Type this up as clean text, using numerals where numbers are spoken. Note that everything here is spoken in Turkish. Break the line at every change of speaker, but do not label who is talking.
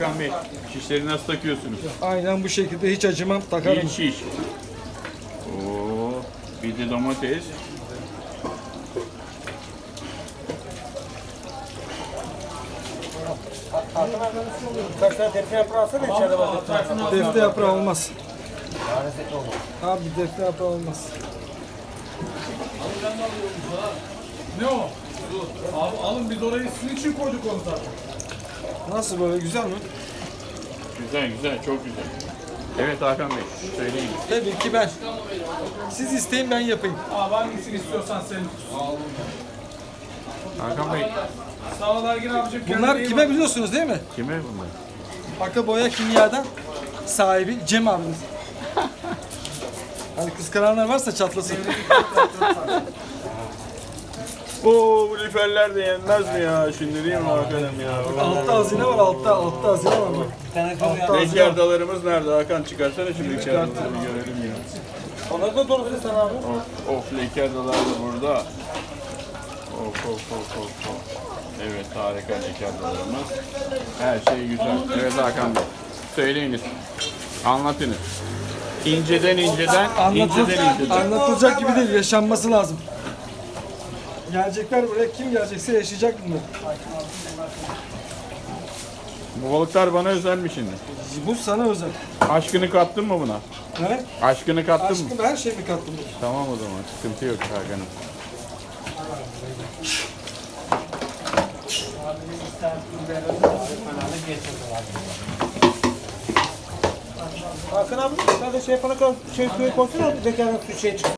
Hakan Bey, şişleri nasıl takıyorsunuz?
Aynen bu şekilde hiç acımam, takarım.
Bir şiş. Oo, bir de domates.
Kaç tane defne yaprağı alsana içeride bak.
Defne yaprağı olmaz. Abi defne yaprağı olmaz.
Ne o? Abi alın biz orayı sizin için koyduk onu zaten.
Nasıl böyle, güzel mi?
Güzel güzel, çok güzel. Evet Hakan Bey, söyleyin.
Tabii ki ben. Siz isteyin, ben yapayım.
Abi hangisini istiyorsan senin.
Hakan Bey,
Sağ ol Ergin abicim.
Bunlar
kendine iyi
kime
bak.
biliyorsunuz değil mi?
kime bunlar?
Aka Boya Kimya'dan sahibi Cem abimiz. Hani kıskananlar varsa çatlasın.
Oo, bu lüferler de yenmez mi ya? Şimdi değil mi Hakan'ım ya?
Altta hazine var, altta hazine var bak. Altta hazine var.
Rekardalarımız nerede Hakan? Çıkarsana şu rekardaları bir görelim ya.
Onları da doğrusu sen abi.
Of, rekardalar da burada. Of. Evet, harika rekardalarımız. Her şey güzel. Evet Hakan Bey, söyleyiniz. Anlatınız. İnceden inceden.
Anlatılacak gibi değil, yaşanması lazım. Gelecekler buraya, kim gelecekse yaşayacak bunlar.
Bu balıklar bana özelmiş şimdi.
Bu sana özel.
Aşkını kattın mı buna?
Ne?
Aşkını kattın mı?
Aşkım, her şeyimi kattım.
Tamam o zaman, sıkıntı yok Hakan'ım.
Hakan abi sen de şey yapana kadar şey suyu koysana. Zekanın suyu şey çıksın.